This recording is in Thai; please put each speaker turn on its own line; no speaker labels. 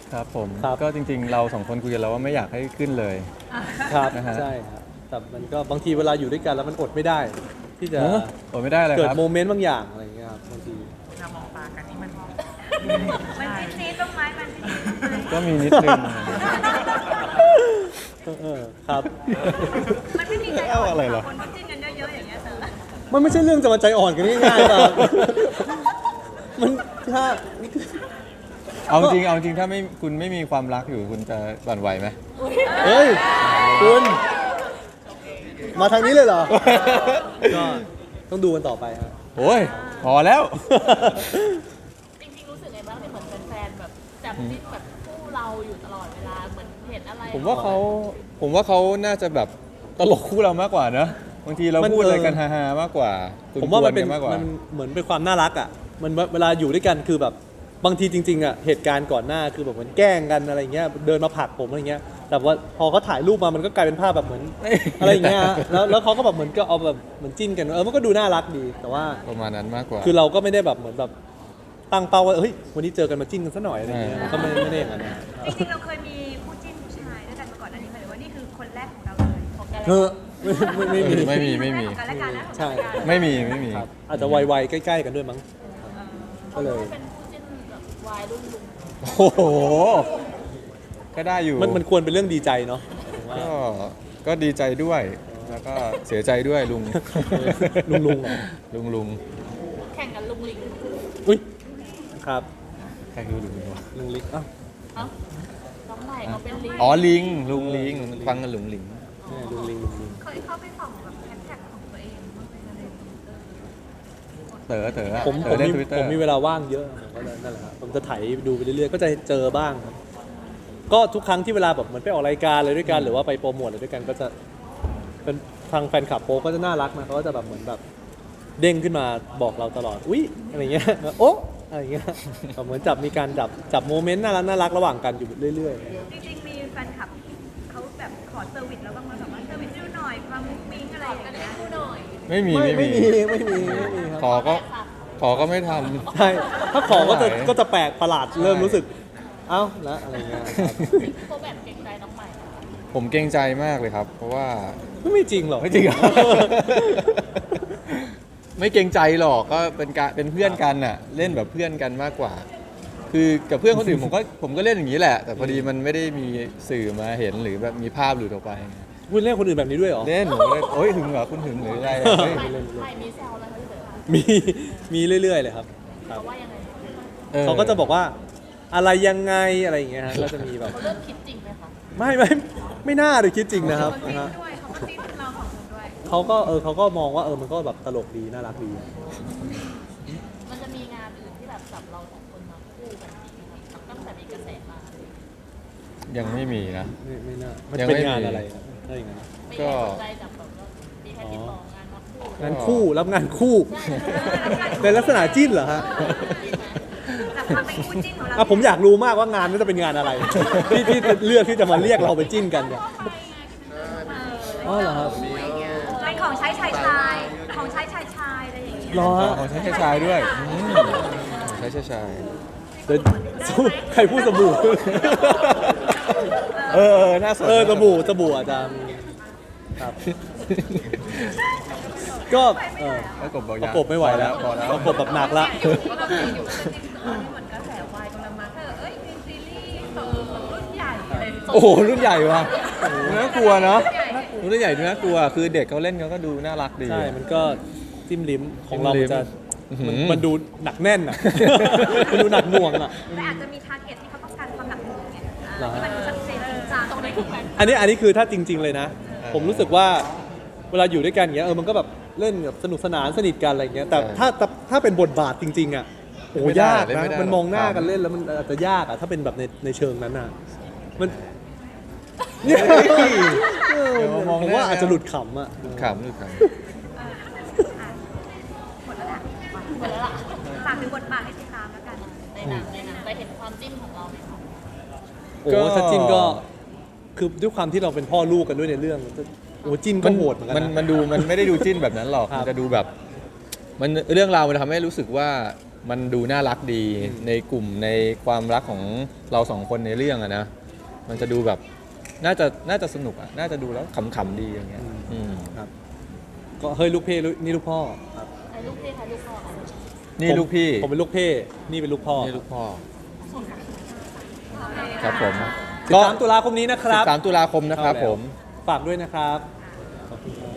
ครับผม
ครับ
ก็จริงๆเราสองคนคุยกันแล้วว่าไม่อยากให้ขึ้นเลย
ครับ
นะฮะ
ใช่ครับแต่มันก็บางทีเวลาอยู่ด้วยกันแล้วมันอดไม่ได้ ที่จะ
โอ้ไม่ได้เลย
เกิด
ครับ
โมเมนต์บางอย่างอะไรอย่างเงี้ยครับบางที
เรามองตากันนี่มัน
มันซีดๆต้นไม้มันซีดๆต้นไม้
ก็มีนิดนึง
ครับ
มันไม่มีใจ
เอาอะไรเหรอ
คนที่จิ้นกันเยอะๆอย่างเงี้ยเธอ
มันไม่ใช่เรื่องจะมาใจอ่อนกันง่ายๆครับมันถ้า
เอาจริงเอาจริงถ้าไม่คุณไม่มีความรักอยู่คุณจะหวั่นไหวไหม
เฮ้ยคุณมาทางนี้เลยเหรอ ก็ต้องดูกันต่อไปฮะ
โอ้ยพอแล้ว
จริงๆรู้สึกไงบ้างที่เหมือนแฟนๆแบบจับจิ้นแบบคู่เราอยู่ตลอดเวลาเหมือนเห็นอะไร
ผมว่าเขาน่าจะแบบตลกคู่เรามากกว่าเนอะบางทีเรา
มัน
พูดอะไรกันฮาๆมากกว่า
ผมว่ามันเป็น
กวๆกัมากกว่า
มันเหมือนเป็นความน่ารักอ่ะมันเวลาอยู่ด้วยกันคือแบบบางทีจริงๆอ่ะเหตุการณ์ก่อนหน้าคือแบบเหมือนแกล้งกันอะไรเงี้ยเดินมาผลักผมอะไรเงี้ยแต่ว่าพอเขาถ่ายรูปมามันก็กลายเป็นภาพแบบเหมือน อะไรอย่างเงี้ยฮะแล้วเขาก็แบบเหมือนก็เอาแบบเหมือนจิ้นกันมันก็ดูน่ารักดีแต่ว่า
ประมาณนั้นมากกว่า
คือเราก็ไม่ได้แบบเหมือนแบบตั้งเป้าว่าเฮ้ยวันนี้เจอกันมาจิ้นกันซะหน่อยอะไรเงี้ย
อ่า
ก็ไม่ได้อย่างนั้นนะ
จริงๆเราเคยมีคู่จิ้นผู้ชายด้วยกันมาก่อนอันนี้หรือว่านี่คือคนแรกของเราเลยของกัน
เออไม่มี
ไม่มี
ของกันและกันนะของ
ใช่
กันและกัน
ไม่มี
ครับอาจจะวัยๆใกล้ๆกันด้วยมั้งก็เลย
เป็นคู่จิ้นแบบวายรุ่นลุง
โอ้โหก็ได้อยู่
มันควรเป็นเรื่องดีใจเนาะผมว่า
ก็ดีใจด้วย แล้วก็เสียใจด้วยลุง
ลุงเหรอ
ลุง
แข่งกันลุงลิง
อุ้ยครับ
ใครคือลุงวะ
ลุงลิกอ้าว
เอ้าน้องใหม่เขาเป็นลิง
อ๋อลิงลุงลิงฟังกันหลุงลิง
เนี่ยลุงลิง
เคยเข้าไปส่องแบบแฮชแท็กของตัวเองบ้างไหมอะไรอย่างเงี้ย
เต๋ออะ
ผม
เต๋อเล่น
มี
ทวิตเตอ
ผ
ร์
มมีเวลาว่างเยอะผมก็เลยนั่นแหละครับผมจะไถดูไปเรื่อยๆก็จะเจอบ้างครับก็ทุกครั้งที่เวลาแบบเหมือนไปออกรายการอะไรด้วยกันหรือว่าไปโปรโมทอะไรด้วยกันก็จะเป็นทางแฟนคลับโป๊ก็จะน่ารักนะเขาก็จะแบบเหมือนแบบเด้งขึ้นมาบอกเราตลอดอุ๊ยอะไรเงี้ยโอ๊ะอะไรเงี้ยแบบเหมือนมีการจับโมเมนต์น่ารักระหว่างกันอยู่เรื่อยๆ
จริงๆมีแฟนคลับเขาแบบขอเซอร์วิสแล้วบ้างไหมแบบว่าเซอร์วิสดูหน่อยความมุ้งมิ้งอะไรอย่างเงี้ย
คู่หน่อย
ไม่มี
ไม่มีครับ
ขอก็ไม่ทำ
ใช่ถ้าขอก็จะ
ไม่ไหว
ก็จะแปลกประหลาด
ใช่
เริ่มรู้สึกเอ้าแล้วอะไรเงี้ยครับ
โคแบบเกรงใจน้องใหม่
ผมเกรงใจมากเลยครับ เพราะว่า
ไม่จริงหรอก
ไม่จริงเหรอ ไม่เกรงใจหรอกก็เป็นเพื่อนกันน่ะเล่นแบบเพื่อนกันมากกว่า คือกับเพื่อนคนอื่นผมก็เล่นอย่างนี้แหละ แต่พอดีมันไม่ได้มีสื่อมาเห็นหรือแบบมีภาพหลุดออกไป
คุณเล่นคนอื่นแบบนี้ด้วยเหรอ
เล่นผมก็เล่นโอ้ยหึงเหรอคุณหึงหรืออะไรอะเฮ้ย
ใหม่มีแซวอะไรเขาเถอะ
มีเรื่อยๆเลยครับ
เขาว่ายังไง
เขาก็จะบอกว่าอะไรยังไงอะไรอย่างเงี้ยฮะก็จะมีแบบ
เขาเริ่มคิดจริงไหมคะ
ไม่น่าเลยคิดจริงนะครับ
เขา
นะ
จิ้น
ฮะ
ด้วยเขาก็จิ้นเราของคุณด้วย
เขาก็มองว่ามันก็แบบตลกดีน่ารักดี
มันจะมีงานอื่นที่แบบจับเราสองคนมาคู่กันจริงไหมครับตั้งแต่มีกระแสมา
ยังไม่มีนะ
ไม่น่ามัน
ยัง
เป็น
ไม่มี
งานอะไรครับถ้าอย่างนั้น
ไม่
ก็
ได้สนใจจับแบบว่ามีแค่ติดต่องานมาคู่
งานคู่รับงานคู่
ใช่ใช่
ในลักษณะจิ้นเหรอฮะ
แต่ความเป็นคู่จิ้นของเรา
ผมอยากรู้มากว่างานนั้นจะเป็นงานอะไร ที่เลือกที่จะมาเรียกเราไปจิ้นกันเนี่ยอ๋อเหรอครับ
เป็นของใช้ชายชายของใช้ชายชายอะไรอย่างเงี้ย
รอฮะ
ของใช้ชายด้วยใช้ชาย
เดี๋ยวใครพูดสบู่
น่าสน
สบู่อาจจะมีครับ ก็
ประกบบอก
ประกบไม่ไหวแล้ว
พอแล้ว
ประกบแบบหนักละ
อยู่ก็แบบอยู่จริงๆตอนนี้เหมือนกระแสวายกำลังมาเธอเอ้ยมีซีรีส์แบบรุ่นใหญ่อะไรอย่างเงี้ย
โอ้โหรุ่นใหญ่ว่ะน่ากลัวเนาะรุ่นใหญ่ดูน่ากลัว คือเด็กเขาเล่นเขาก็ดูน่ารักดี
ใช่ มันก็จิ้มลิ้มของเรา
จิ้มลิ้
มัน
ม
จะ
อื้อหือ
มันดูหนักแน่นอ่ะ มันดูหนักหน่วงอ่ะ
แต่อาจจะมีทาร์เก็ตที่เขาต้องการความหนักหน่วงไง
เหรอฮะ
ที่มันชัดเจนจริงจัง
ตรงนี้คือแฟน
อันนี้คือถ้าจริง ๆเลยนะ ผมรู้สึกว่าเวลาอยู่ด้วยกันอย่างเงี้ยมันก็แบบเล่นแบบสนุกสนานสนิทกันอะไรอย่างเงี้ยแต่ถ้าเป็นบทบาทจริง ๆอ่ะโอ้ยากนะมันมองหน้ากันเล่นแล้วมันอาจจะยากอ่ะถ้าเป็นแบบในเชิงนั้นอ่ะมันผมว่าอาจจะหลุดขำอ่ะ
ขำ
หมดแล้วแหละ
หมดแล้วล่ะ
ฝากถึงบทบาทให้ติดตามแล้วกัน
ในหนังจะเห็นความจิ้นของเราไหมคะ
โอ้ถ้าจิ้นก็คือด้วยความที่เราเป็นพ่อลูกกันด้วยในเรื่องโอ้จิ้นก็โหดเหมือนกันนะ
มันไม่ได้ดูจิ้นแบบนั้นหรอก
ครับ
มันจะดูแบบมันเรื่องราวมันทำให้รู้สึกว่ามันดูน่ารักดีในกลุ่มในความรักของเราสองคนในเรื่องอะนะมันจะดูแบบน่าจะสนุกอะน่าจะดูแล้วขำๆดีอย่างเงี้ย
ครับ ก็เฮ้ยลูกเพ่นี่ลูกพ่อครับ
ไอ้ลูกเพ่ใครลูกพ่อกัน
นี่ลูกพี่
ผมเป็นลูกเพ่นี่เป็นลูกพ่อ
นี่ลูกพ่อครับผม
ก็3 ตุลาคมนี้นะครับ
13 ตุลาคมนะครับผม
ฝากด้วยนะครับ
โ